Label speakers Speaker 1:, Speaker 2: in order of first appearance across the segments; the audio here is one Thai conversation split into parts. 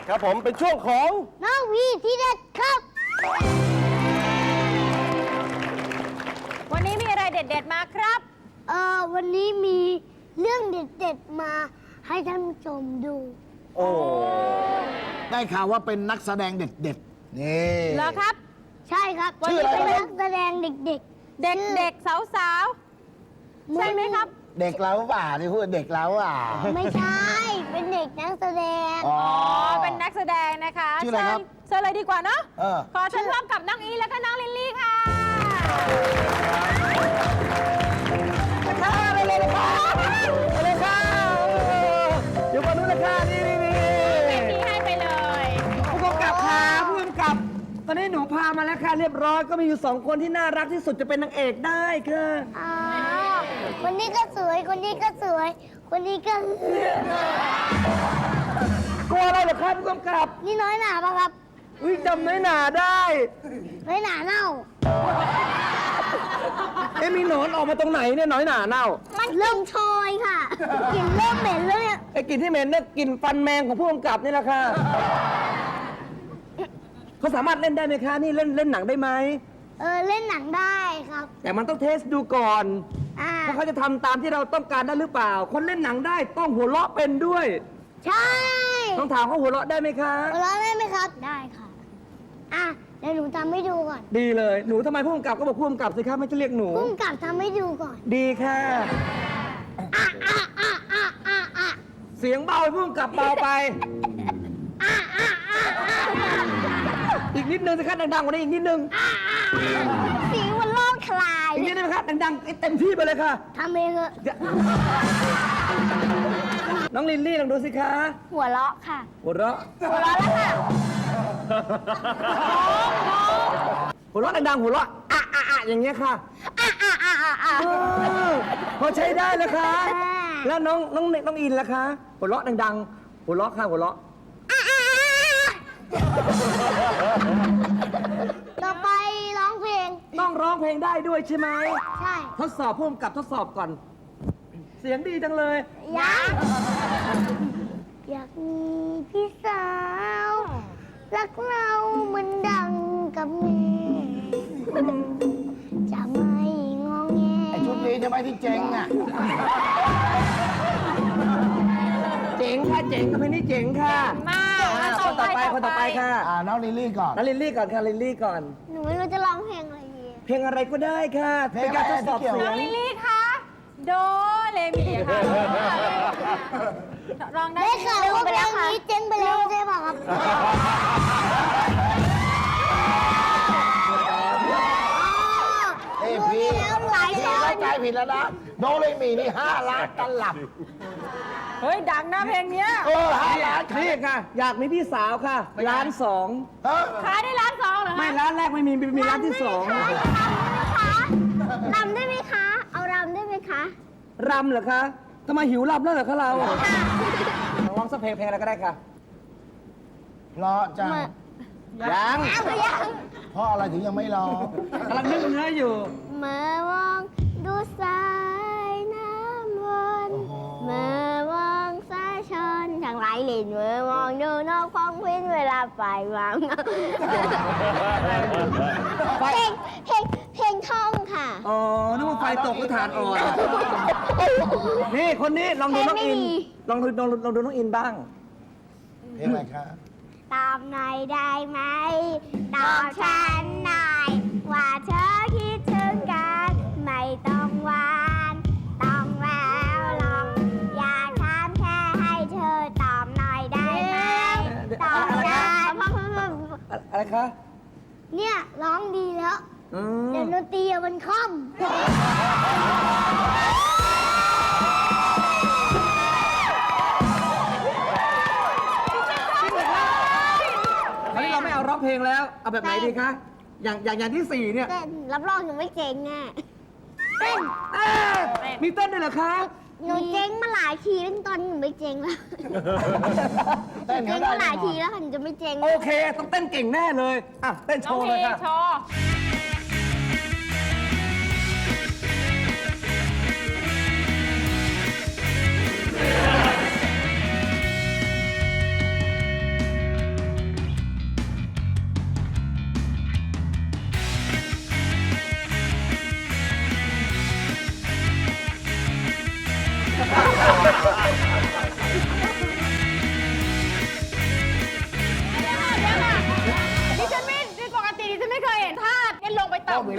Speaker 1: ครับผมเป็นช่วงของ
Speaker 2: น้องวีที่เด็ดครับ
Speaker 3: วันนี้มีอะไรเด็ดๆมาครับ
Speaker 2: วันนี้มีเรื่องเด็ดๆมาให้ท่านผู้ชมดู
Speaker 1: โอ้
Speaker 4: ได้ข่าวว่าเป็นนักแสดงเด็ดๆ นี่
Speaker 3: เหรอครับ
Speaker 2: ใช่ครับ
Speaker 4: ชื่ออะไร
Speaker 2: เป็น
Speaker 4: ครับ
Speaker 2: นักแสดงเด็ก
Speaker 3: เด็กๆ สาวๆ ใช่ไหมครับ
Speaker 4: เด็กแล้วป่าที่พูดเด็กแล้วอ่ะ
Speaker 2: ๆ ไม่ใช่ เป็นเด็กนักแสดง
Speaker 4: อ๋อ
Speaker 3: เป็นนักแสดงนะคะ
Speaker 4: ชื่ออะไรครับ
Speaker 3: เชิญเลยดีกว่าเนาะ
Speaker 4: เออ
Speaker 3: ขอเชิญพร้อมกับน้องอีแล้วก็น้องลิลลี่ค่ะ
Speaker 1: ไปเลยค่ะไปเลยค่ะเดี๋ยวมาดูเลยค่ะนี่
Speaker 3: เวทีให้ไปเลย
Speaker 1: ผู้กำกับค่ะผู้กำกับ ตอนนี้หนูพามาแล้วค่ะเรียบร้อยก็มีอยู่2คนที่น่ารักที่สุดจะเป็นนางเอกได้ค่ะ
Speaker 2: อ๋อ คนนี้ก็สวย คนนี้ก็สวย คนนี้ก็
Speaker 1: กลัวอะไรเหรอครับผู้กำกับ
Speaker 2: นี่น้อยหนาปะครับ
Speaker 1: อุ้ยจำน้อยหนาได้
Speaker 2: น้อยหนาเน่า
Speaker 1: มีหนอนออกมาตรงไหนเนี่ยน้อยหนาเน่า
Speaker 2: มันเริ่มชอยค่ะกลิ่นเริ่มเหม็นแล้วเนี่ย
Speaker 1: ไอ้กลิ่นที่เหม็นเนี่ยกลิ่นฟันแมงของผู้กำกับนี่แหละค่ะเขาสามารถเล่นได้ไหมคะนี่เล่นหนังได้ไหม
Speaker 2: เล่นหนังได้ครับ
Speaker 1: แต่มันต้องเทสดูก่อน
Speaker 2: อ่า
Speaker 1: ว่าเขาจะทำตามที่เราต้องการได้หรือเปล่า คนเล่นหนังได้ต้องหัวเราะเป็นด้วย
Speaker 2: ใช่
Speaker 1: ต้องถามเขาหัวเราะได้ไหมคะ
Speaker 2: หัวเราะได้ไหมครับ ได้ค่ะ อ่ะ เดี๋ยวหนูทำให้ดูก่อน
Speaker 1: ดีเลย หนูทำไมผู้กำกับก็บอกผู้กำกับสิครับไม่จะเรียกหนู
Speaker 2: พุ่งกลับทำให้ดูก่อน
Speaker 1: ดีค่ะ เสียงเบาผู้กำกับเบาไป อีกนิดนึงสิครับดังๆกว่านี้อีกนิดนึง
Speaker 2: สีมันโล่งคลาย
Speaker 1: อีกนิดนึงครับดังๆให้เต็มที่ไปเลยค่ะ
Speaker 2: ทำเองเถอะ
Speaker 1: น้องลิลลี่ลองดูสิคะ
Speaker 2: หัวเราะค่ะ
Speaker 1: หัวเราะ
Speaker 2: หัวเราะแล้วค่ะ
Speaker 1: หัวเราะดังๆหัวเราะอะอย่างเงี้ยค่ะพอใช้ได้แล้วคะแล้วน้องอินล่ะคะหัวเราะดังๆหัวเราะค่ะหัวเราะ
Speaker 2: ต่อไปร้องเพลง
Speaker 1: ต้องร้องเพลงได้ด้วยใช่ไหม
Speaker 2: ใช่
Speaker 1: ทดสอบผู้กำกับทดสอบก่อน เสียงดีจังเลย
Speaker 2: ยังอยากมีพี่สาว รักเราเหมือนดังกับแม่จะไม่งอแง
Speaker 4: ไอชุดนี้ใช่ไหมที่เจ๊งอ่ะ
Speaker 1: เจ๋งค่ะเจ๋งกับเพลงนี้เจ๋งค่ะ
Speaker 3: มา
Speaker 1: คนต่อไปค่ะ
Speaker 4: น้องลิลลี่ก่อน
Speaker 1: น้องลิลลี่ก่อนค่ะลิลลี่ก่อน
Speaker 2: หนูไม่รู้จะร้องเพลงอะไรดี
Speaker 1: เพลงอะไรก็ได้ค่ะ
Speaker 4: เพล
Speaker 1: เป็น
Speaker 4: ง
Speaker 1: การท
Speaker 4: อะไร
Speaker 1: ดสอบ
Speaker 4: ที่เกี่ยว
Speaker 1: เสียง
Speaker 3: ลิลลี่คะโดเรมีค่ะร้องได้
Speaker 2: ได้ข่าวว่าเพลงนี้เจ๊งไปแล้วใช่ป่ะครับ
Speaker 4: เอ้ยพี่
Speaker 2: แล้วหลาย
Speaker 4: พี่
Speaker 2: ตอ
Speaker 4: เข้าน ใจผิดแล้วนะ โนเลยมีนี่5 ล้านตลับ
Speaker 3: เฮ้ย ดังนะเพลงเนี้ย
Speaker 4: 5 ล้าน
Speaker 1: นี่ค่ะ อยากมีพี่สาวค่ะล้านสอง
Speaker 4: ฮะ
Speaker 3: ขายได้ล้านสองเหรอ
Speaker 1: ไม่
Speaker 3: คะ
Speaker 1: ร้านแรกไม่มีร้านที่สอง
Speaker 2: รำได้ไหมคะ เอารำได้ไหมคะ
Speaker 1: รำเหรอคะทำไมหิวรำแล้วเหรอคะเราร้องสักเพลงอะไรก็ได้ค่ะ
Speaker 4: เพราะจัง
Speaker 1: ยัง
Speaker 4: เพราะอะไรถึงยังไม่ร้อง
Speaker 1: กำลังนึกเนื้ออยู่
Speaker 2: เมื่อมองดูสายน้ำวนเมื่อมองสายชนทางไหลหลินเมื่อมองดูนกพองพินเวลาไปวางเพลงท่องค่ะ
Speaker 1: อ๋อนึกว่าไฟตกก็ฐานอ่อน นี่คนนี้ลองดูน้องอิน
Speaker 2: เพลงไม่มี
Speaker 1: ลองดูน้องอินบ้าง
Speaker 4: เพลงอะไรคะ
Speaker 2: ตอบหน่อยได้ไหม ตอบฉันหน่อย ว่าเธอคิดถึงกัน ไม่ต้องหวานต้องแววลอง อยากถามแค่ให้เธอตอบหน่อยได้ไหม ตอบฉัน
Speaker 1: อะไรคะ
Speaker 2: เนี่ยร้องดีแล้ว
Speaker 1: อืม
Speaker 2: เดี๋ยวดนตรีอะมันคล่อม
Speaker 1: คราวนี้เราไม่เอาร้องเพลงแล้ว เอาแบบไหนดีคะ อย่างที่สี่เนี่ย
Speaker 2: เต้นรับรองหนูไม่เจ๊งแน่เต้น
Speaker 1: เอ๊ะมีเต้นด้วยเหรอคะ
Speaker 2: หนูเจ๊งมาหลายทีแล้วตอนนี้หนูไม่เจ๊งแล้ว
Speaker 4: เต้น
Speaker 2: เจ๊
Speaker 4: เขา
Speaker 2: ง
Speaker 4: ได้
Speaker 2: มาห
Speaker 4: แน่
Speaker 2: ลาย
Speaker 4: นอ
Speaker 2: ที
Speaker 4: น
Speaker 2: แล้วค่ะหนูจะไม่เจ๊ง
Speaker 1: โอเค ต้องเต้นเก่งแน่เลย อ่ะ เต้นโช
Speaker 3: น้อง
Speaker 1: ว์
Speaker 3: เพ
Speaker 1: เล
Speaker 3: ล
Speaker 1: ย
Speaker 3: ง
Speaker 1: ค่ะ
Speaker 3: โชว์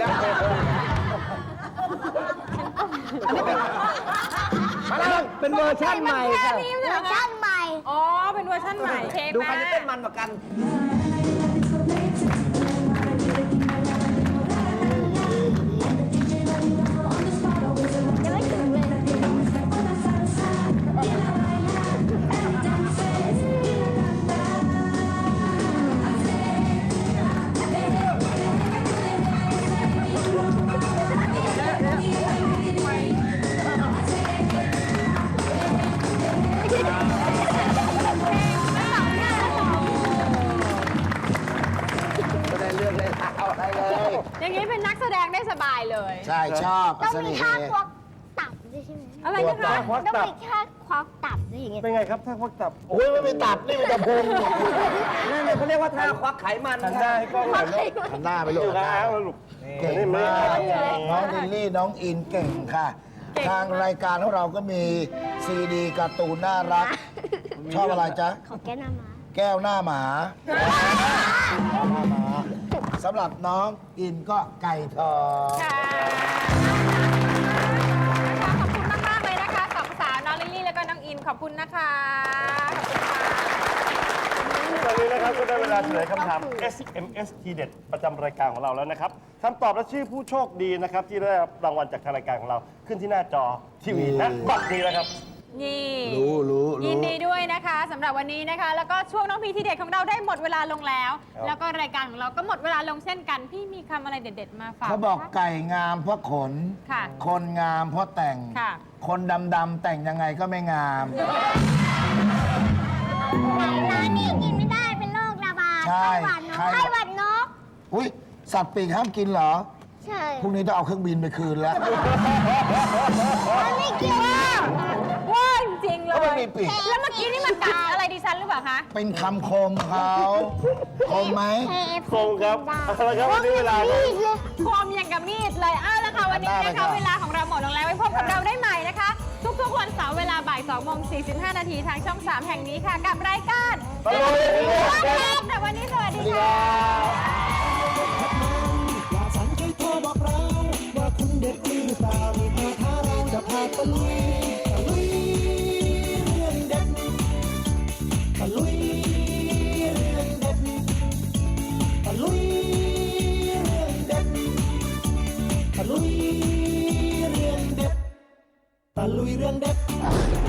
Speaker 1: อันนี้เป็นเวอร์ชันใหม่ค่ะ
Speaker 3: นี่
Speaker 2: เว
Speaker 3: เหร
Speaker 2: อ
Speaker 3: อ
Speaker 2: ร์
Speaker 3: คะ
Speaker 2: ชันใหม่
Speaker 3: อ๋อ เป็นเวอร์ชันใหม่เทป
Speaker 1: ดูใคร
Speaker 3: มา
Speaker 1: จะเต้นมันกว่ากัน
Speaker 2: ยังไม่ถึงเลย
Speaker 4: ไม่ได้เรื่องเลยเอาอะไรเลย
Speaker 3: อย่างนี้เป็นนักแสดงได้สบายเลย
Speaker 4: ใช่ชอบ
Speaker 2: ต้อง
Speaker 4: เส
Speaker 2: มี
Speaker 4: น่ห์
Speaker 2: ท่าควักตับด้วยใช่ไหม
Speaker 3: อะไรนะคะ
Speaker 2: ต้องมีท่าควักตับด้วยอย่างเงี้ย
Speaker 5: เป็นไงครับถ้าควักตับ
Speaker 4: โอ้ยไม่เป็นตับ นี่เป็นตะพุง
Speaker 1: นั่นเลยเขาเรียกว่าท่าควักไขมัน
Speaker 5: หันหน้าให้กล้องหน่อยลูก
Speaker 4: หันหน้าไปลู
Speaker 5: อกยู่
Speaker 4: หัน
Speaker 5: กับ
Speaker 4: หน้า
Speaker 5: อ้าวลูก
Speaker 4: เก่งมาก น้องลิลลี่ น้องอินเก่งค่ะ ทางรายการของเราก็มีซีดีการ์ตูนน่ารัก ชอบอะไรจ๊ะ
Speaker 2: ของแก้น้ำมา
Speaker 4: แก้วหน้าหมาหน้าหมาสำหรับน้องอินก็ไก่ทอง
Speaker 3: ค่ะขอบคุณมากๆเลยนะคะสองสาวน้องลิลลี่แล้วก็น้องอินขอบคุณนะคะ
Speaker 5: ตอนนี้นะครับก็ได้เวลาเฉลยคำถาม SMS ทีเด็ดประจำรายการของเราแล้วนะครับคำตอบและชื่อผู้โชคดีนะครับที่ได้รับรางวัลจากทางรายการของเราขึ้นที่หน้าจอทีวีณบัดนี้แล้วครับ
Speaker 3: นี่
Speaker 4: รู้
Speaker 3: ยินดีด้วยนะคะสำหรับวันนี้นะคะ แล้วก็ช่วงน้องพีทีเด็ดของเราได้หมดเวลาลงแล้ว
Speaker 5: ครับ
Speaker 3: แล้วก็รายการของเราก็หมดเวลาลงเช่นกัน พี่มีคำอะไรเด็ด ๆ มาฝาก
Speaker 4: เขาบอก
Speaker 3: ไหมคะ
Speaker 4: ไก่งามเพราะขน
Speaker 3: ค่ะ
Speaker 4: คนงามเพราะแต่ง
Speaker 3: ค่ะ
Speaker 4: คนดำๆแต่งยังไงก็ไม่งาม
Speaker 2: ร้านนี้กินไม่ได้เป็นโรคระบาด
Speaker 4: ใช่
Speaker 2: ไข้หวัดนก
Speaker 4: อุ้ยสัตว์ปีกห้ามกินเหรอ
Speaker 2: ใช่
Speaker 4: พรุ่งนี้ต้องเอาเครื่องบินไปคืนแล้ว
Speaker 2: มันไม่เกี่ยว
Speaker 3: ว่าจริงๆเล
Speaker 4: เพราะมัน
Speaker 3: ย
Speaker 4: มีปีก
Speaker 3: แล้วเมื่อกี้นี่มันกัดอะไรดิฉันหรือเปล่าคะ
Speaker 4: เป็นคำคมเขาคมไหม
Speaker 5: คงครับเอาละครับวันนี้เวลา
Speaker 3: คมอย่างกับมีดเลยอ้าวแล้วค่ะวันนี้
Speaker 4: ได้
Speaker 3: นะ
Speaker 4: ครั
Speaker 3: คะ
Speaker 4: บ
Speaker 3: เวลาของเราหมดลงแล้วไว้พบกับเราได้ใหม่นะคะ ทุกๆวันเสาร์เวลาบ่าย2:45 นาทีทางช่อง 3 แห่งนี้ค่ะ กับรายการ
Speaker 5: ตลอดเลย
Speaker 3: แต่วันนี้สวัสดีค่ะ
Speaker 6: ว่าฉันเคยโทรบอกเราว่าคุณเด็ดหรือเปล่านี่พาท้าเราจะพาตะลุยตะลุยเรื่องเด็ดตะลุยเรื่องเด็ดตะลุยเรื่องเด็ดตะลุยเรื่องเด็ดตะลุยเรื่องเด็ด